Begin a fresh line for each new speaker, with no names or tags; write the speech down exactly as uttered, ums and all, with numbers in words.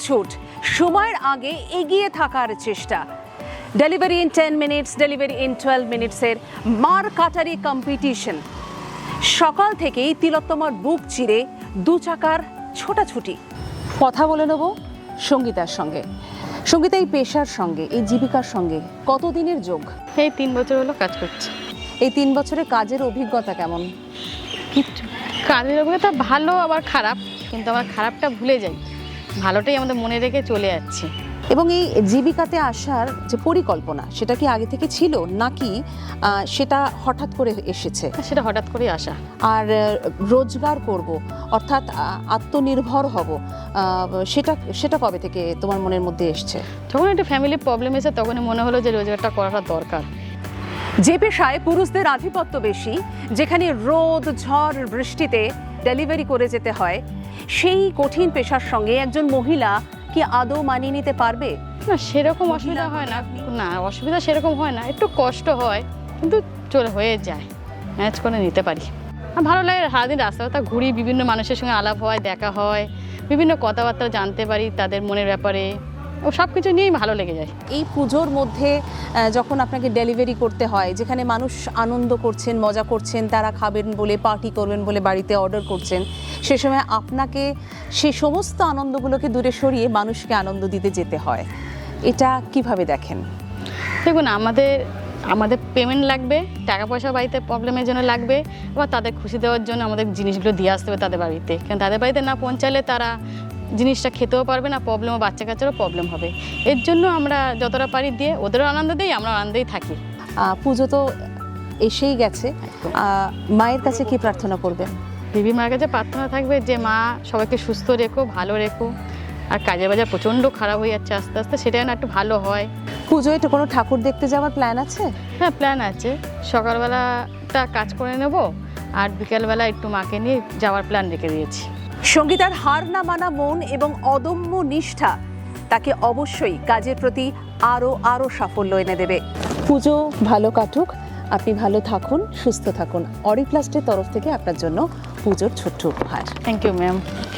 ছুট, সময়ের আগে এগিয়ে থাকার চেষ্টা। Delivery in ten minutes, delivery in twelve মিনিটসের মার কাটারি কম্পিটিশন। সকাল থেকেই তিলোত্তমার বুক চিরে দু চাকার ছোটাছুটি। কথা বলে নেব সঙ্গীতার সঙ্গে। সঙ্গীতা, এই পেশার সঙ্গে, এই জীবিকার সঙ্গে কতদিনের যোগ?
এই তিন বছর হলো কাজ করছি।
এই তিন বছরে কাজের অভিজ্ঞতা কেমন?
কিচ্ছু কাজের অভিজ্ঞতা ভালো আবার খারাপ, কিন্তু আমার খারাপটা ভুলে যাই, ভালোটাই আমাদের মনে রেখে চলে যাচ্ছি।
এবং এই জীবিকাতে আসার যে পরিকল্পনা, সেটা কি আগে থেকে ছিল নাকি সেটা হঠাৎ করে এসেছে?
সেটা হঠাৎ করেই আসা।
আর রোজগার করব, অর্থাৎ আত্মনির্ভর হব, সেটা সেটা কবে থেকে তোমার মনের মধ্যে এসছে?
যখন একটা ফ্যামিলির প্রবলেম এসে তখনই মনে হলো যে রোজগারটা করাটা দরকার।
যে পেশায় পুরুষদের আধিপত্য বেশি, যেখানে রোদ ঝড় বৃষ্টিতে ডেলিভারি করে যেতে হয়, সেই কঠিন পেশার সঙ্গে একজন মহিলা কি আদৌ মানিয়ে নিতে পারবে?
না, সেরকম অসুবিধা হয় না। না, অসুবিধা সেরকম হয় না, একটু কষ্ট হয় কিন্তু চলে হয়ে যায়, ম্যানেজ করে নিতে পারি। আর ভালো লাগে, সারাদিন রাস্তা রাস্তা ঘুরি, বিভিন্ন মানুষের সঙ্গে আলাপ হয়, দেখা হয়, বিভিন্ন কথাবার্তা জানতে পারি তাদের মনের ব্যাপারে, ও সব কিছু নিয়েই ভালো লেগে যায়।
এই পুজোর মধ্যে যখন আপনাকে ডেলিভারি করতে হয়, যেখানে মানুষ আনন্দ করছেন, মজা করছেন, তারা খাবেন বলে, পার্টি করবেন বলে বাড়িতে অর্ডার করছেন, সে সময় আপনাকে সেই সমস্ত আনন্দগুলোকে দূরে সরিয়ে মানুষকে আনন্দ দিতে যেতে হয়। এটা কিভাবে দেখেন?
দেখুন, আমাদের আমাদের পেমেন্ট লাগবে, টাকা পয়সা বাড়িতে প্রবলেমের জন্য লাগবে, আবার তাদের খুশি দেওয়ার জন্য আমাদের জিনিসগুলো দিয়ে আসতে হবে তাদের বাড়িতে। কারণ তাদের বাড়িতে না পৌঁছালে তারা জিনিসটা খেতেও পারবে না, প্রবলেমও বাচ্চা কাচ্চারও প্রবলেম হবে। এর জন্য আমরা যতটা পারি দিয়ে ওদেরও আনন্দ দিই, আমরা আনন্দেই থাকি।
পুজো তো এসেই গেছে, মায়ের কাছে কি প্রার্থনা করবেন?
দেবী মায়ের কাছে প্রার্থনা থাকবে যে মা সবাইকে সুস্থ রেখো, ভালো রেখো। আর কাজের বাজার প্রচণ্ড খারাপ হয়ে যাচ্ছে আস্তে আস্তে, সেটাই না একটু ভালো হয়।
পুজোয় একটু কোনো ঠাকুর দেখতে যাওয়ার প্ল্যান আছে?
হ্যাঁ, প্ল্যান আছে। সকালবেলাটা কাজ করে নেব, আর বিকেলবেলা একটু মাকে নিয়ে যাওয়ার প্ল্যান রেখে দিয়েছি।
সঙ্গীতার হার না মানা মন এবং অদম্য নিষ্ঠা তাকে অবশ্যই কাজের প্রতি আরও আরও সাফল্য এনে দেবে। পুজো ভালো কাটুক, আপনি ভালো থাকুন, সুস্থ থাকুন। অরিপ্লাস্টের তরফ থেকে আপনার জন্য পুজোর ছোট্ট উপহার।
Thank you ma'am.